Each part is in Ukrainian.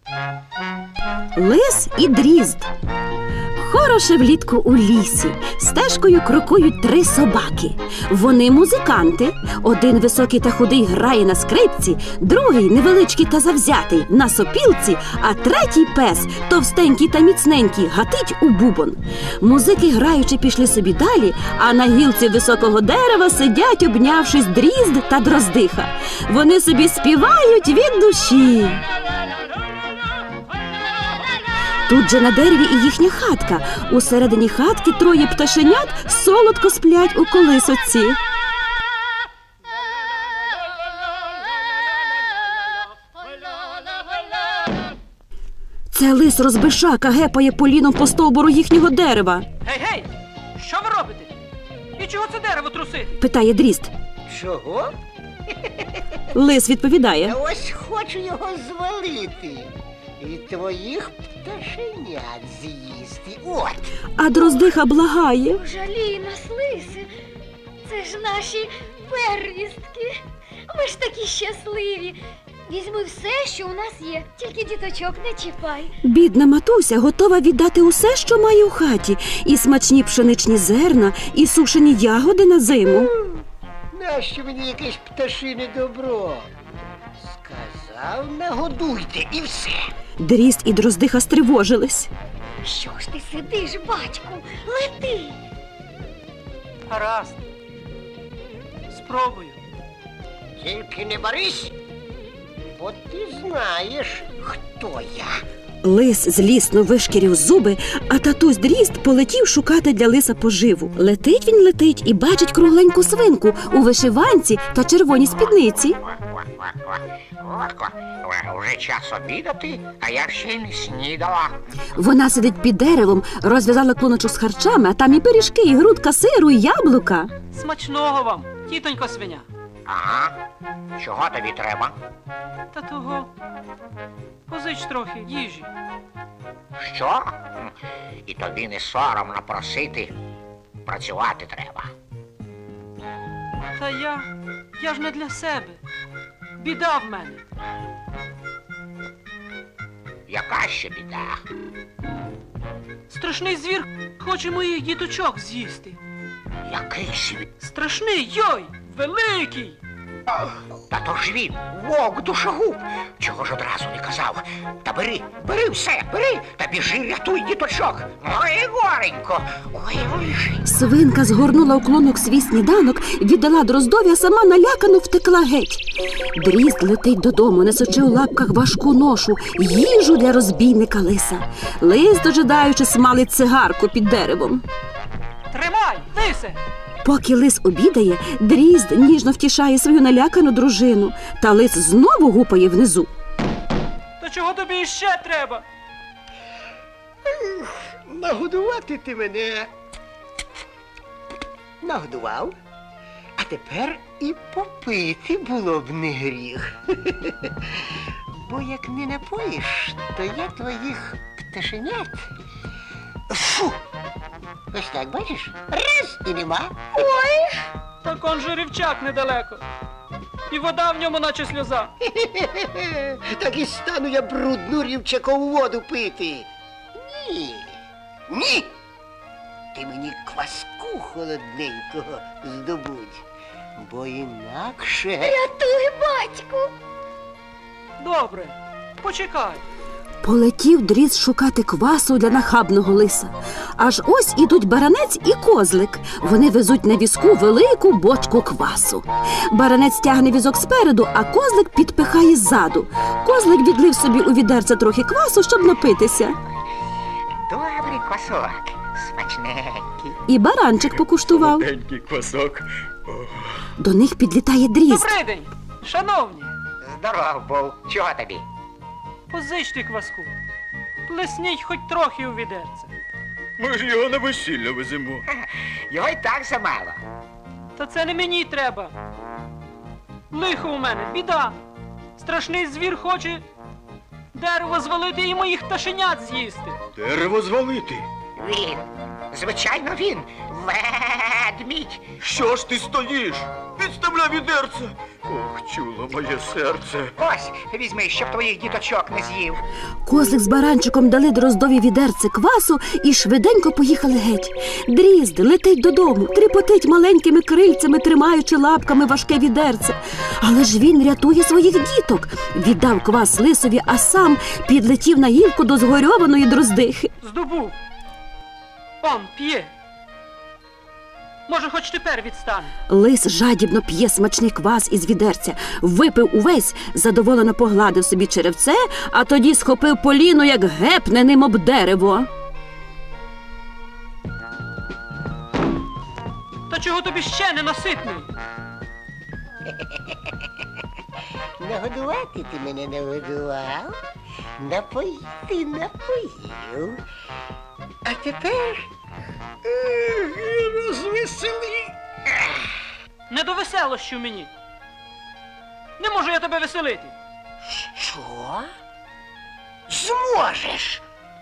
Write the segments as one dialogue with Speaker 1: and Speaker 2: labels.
Speaker 1: Лис і дрізд. Хороше влітку у лісі. Стежкою крокують 3 собаки. Вони музиканти. Один високий та худий грає на скрипці, другий невеличкий та завзятий на сопілці, а третій пес, товстенький та міцненький, гатить у бубон. Музики граючи пішли собі далі, а на гілці високого дерева сидять, обнявшись, дрізд та дроздиха. Вони собі співають від душі. Тут же на дереві і їхня хатка. Усередині хатки 3 пташенят солодко сплять у колисоці. Це лис розбишака гепає поліном по стовбуру їхнього дерева.
Speaker 2: Гей! Що ви робите? І чого це дерево трусити?
Speaker 1: Питає дрізд.
Speaker 3: Чого?
Speaker 1: Лис відповідає.
Speaker 3: Ось хочу його звалити. І твоїх пташенят з'їсти. От.
Speaker 1: А дроздиха благає.
Speaker 4: Жалій нас, лисе. Це ж наші первістки. Ми ж такі щасливі. Візьми все, що у нас є. Тільки діточок не чіпай.
Speaker 1: Бідна матуся готова віддати усе, що має у хаті. І смачні пшеничні зерна, і сушені ягоди на зиму.
Speaker 3: Нащо мені якесь пташине добро? Сказав, нагодуйте і все.
Speaker 1: Дрізд і дроздиха стривожились.
Speaker 4: Що ж ти сидиш, батьку? Лети!
Speaker 2: Гаразд. Спробую.
Speaker 3: Тільки не борись, бо ти знаєш, хто я.
Speaker 1: Лис злісно вишкірів зуби, а татусь дрізд полетів шукати для лиса поживу. Летить він летить і бачить кругленьку свинку у вишиванці та червоній спідниці.
Speaker 5: Уже час обідати, а я ще й не снідала.
Speaker 1: Вона сидить під деревом, розв'язала клоночок з харчами, а там і пиріжки, і грудка сиру, і яблука.
Speaker 2: Смачного вам, тітонько свиня.
Speaker 5: Ага. Чого тобі треба?
Speaker 2: Та того. Позич трохи їжі.
Speaker 5: Що? І тобі не соромно просити. Працювати треба.
Speaker 2: Та я ж не для себе. Біда в мене.
Speaker 5: Яка ще біда?
Speaker 2: Страшний звір хоче моїх діточок з'їсти.
Speaker 5: Який світ?
Speaker 2: Страшний, йой! Великий!
Speaker 5: Та то ж він, вовк душогуб. Чого ж одразу не казав? Та бери все, бери, та біжи, рятуй діточок. Ой, горенько, ой, лишень.
Speaker 1: Свинка згорнула у клонок свій сніданок, віддала дроздові, а сама налякано втекла геть. Дрізд летить додому, несучи у лапках важку ношу, їжу для розбійника лиса. Лис, дожидаючи, смалить цигарку під деревом.
Speaker 2: Тримай, лисе!
Speaker 1: Поки лис обідає, дрізд ніжно втішає свою налякану дружину, та лис знову гупає внизу.
Speaker 2: То чого тобі іще треба?
Speaker 3: Нагодувати ти мене нагодував, а тепер і попити було б не гріх. Бо як не напоїш, то я твоїх пташенят. Фу! Ось так, бачиш? Раз і нема.
Speaker 4: Ой!
Speaker 2: Так он же рівчак недалеко. І вода в ньому наче сльоза.
Speaker 3: Так і стану я брудну рівчакову воду пити. Ні. Ні. Ти мені кваску холодненького здобудь, бо інакше...
Speaker 4: Рятуй, батьку!
Speaker 2: Добре, почекай.
Speaker 1: Полетів дрізд шукати квасу для нахабного лиса. Аж ось ідуть баранець і козлик. Вони везуть на візку велику бочку квасу. Баранець тягне візок спереду, а козлик підпихає ззаду. Козлик відлив собі у відерце трохи квасу, щоб напитися.
Speaker 5: Добрий квасок, смачненький.
Speaker 1: І баранчик покуштував.
Speaker 6: Маленький квасок.
Speaker 1: До них підлітає дрізд.
Speaker 2: Добрий день, шановні.
Speaker 5: Здоров був. Чого тобі?
Speaker 2: Позичте кваску. Плесніть хоч трохи у відерце.
Speaker 6: Ми ж його на весілля веземо.
Speaker 5: Його й так замало.
Speaker 2: Та це не мені треба. Лихо у мене, біда. Страшний звір хоче дерево звалити і моїх пташенят з'їсти.
Speaker 6: Дерево звалити.
Speaker 5: Він, звичайно він, ведмідь.
Speaker 6: Що ж ти стоїш? Відставляй відерце! Ох, чуло моє серце.
Speaker 5: Ось, візьми, щоб твоїх діточок не з'їв.
Speaker 1: Козлик з баранчиком дали Дроздові відерце квасу і швиденько поїхали геть. Дрізд летить додому, тріпотить маленькими крильцями, тримаючи лапками важке відерце. Але ж він рятує своїх діток. Віддав квас лисові, а сам підлетів на гілку до згорьованої Дроздихи.
Speaker 2: Здобув. Он п'є. Може, хоч тепер відстане.
Speaker 1: Лис жадібно п'є смачний квас із відерця, випив увесь, задоволено погладив собі черевце, а тоді схопив поліно, як гепне ним об дерево.
Speaker 2: Та чого тобі ще не наситний?
Speaker 3: Нагодувати ти мене нагодував, напоїти напоїв. А тепер розвесели.
Speaker 2: Не до веселощів мені. Не можу я тебе веселити.
Speaker 3: Що? Зможеш?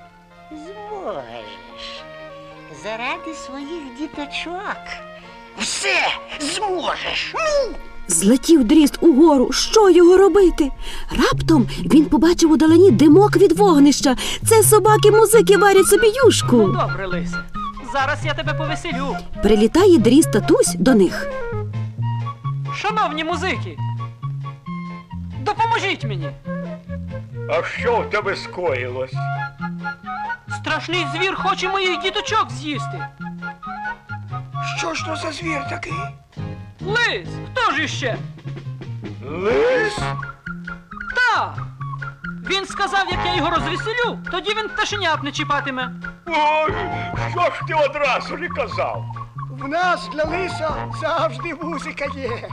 Speaker 3: Зможеш. Заради своїх діточок. Все зможеш. Ну!
Speaker 1: Злетів Дрізд угору. Що його робити? Раптом він побачив удалині димок від вогнища. Це собаки-музики варять собі юшку.
Speaker 2: Добре, лисе. Зараз я тебе повеселю.
Speaker 1: Прилітає Дрізд татусь до них.
Speaker 2: Шановні музики, допоможіть мені.
Speaker 6: А що в тебе скоїлось?
Speaker 2: Страшний звір хоче моїх діточок з'їсти.
Speaker 5: Що ж то за звір такий?
Speaker 2: Лис, хто ж іще?
Speaker 6: Лис?
Speaker 2: Так. Він сказав, як я його розвеселю, тоді він пташенят не чіпатиме.
Speaker 6: Ой, що ж ти одразу не казав?
Speaker 5: В нас для лиса завжди музика є.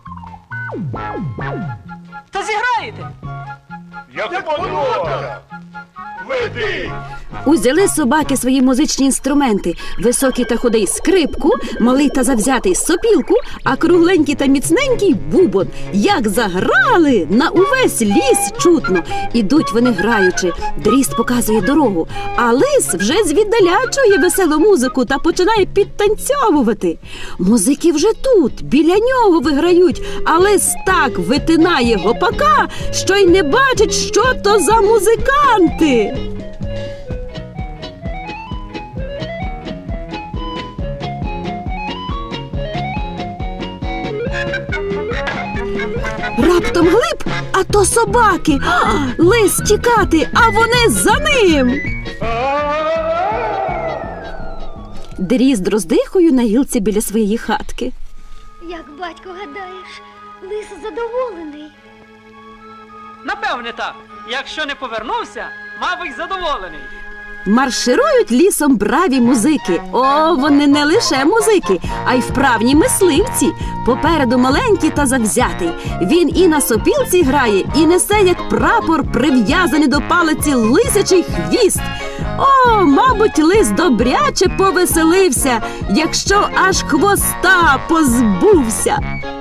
Speaker 2: Та зіграєте?
Speaker 6: Як подобається. Веди!
Speaker 1: Узяли собаки свої музичні інструменти. Високий та худий скрипку, малий та завзятий сопілку, а кругленький та міцненький бубон. Як заграли, на увесь ліс чутно. Ідуть вони граючи. Дрізд показує дорогу, а лис вже звіддаля чує веселу музику та починає підтанцьовувати. Музики вже тут, біля нього виграють, а лис так витинає гопака, що й не бачить, що то за музиканти. Раптом глиб, а то собаки. Лис тікати, а вони за ним. Дрізд з Дроздихою на гілці біля своєї хатки.
Speaker 4: Як батько гадаєш, лис задоволений.
Speaker 2: Напевне так. Якщо не повернувся, мабуть, задоволений.
Speaker 1: Марширують лісом браві музики. О, вони не лише музики, а й вправні мисливці. Попереду маленький та завзятий. Він і на сопілці грає, і несе, як прапор, прив'язаний до палиці лисячий хвіст. О, мабуть, лис добряче повеселився, якщо аж хвоста позбувся.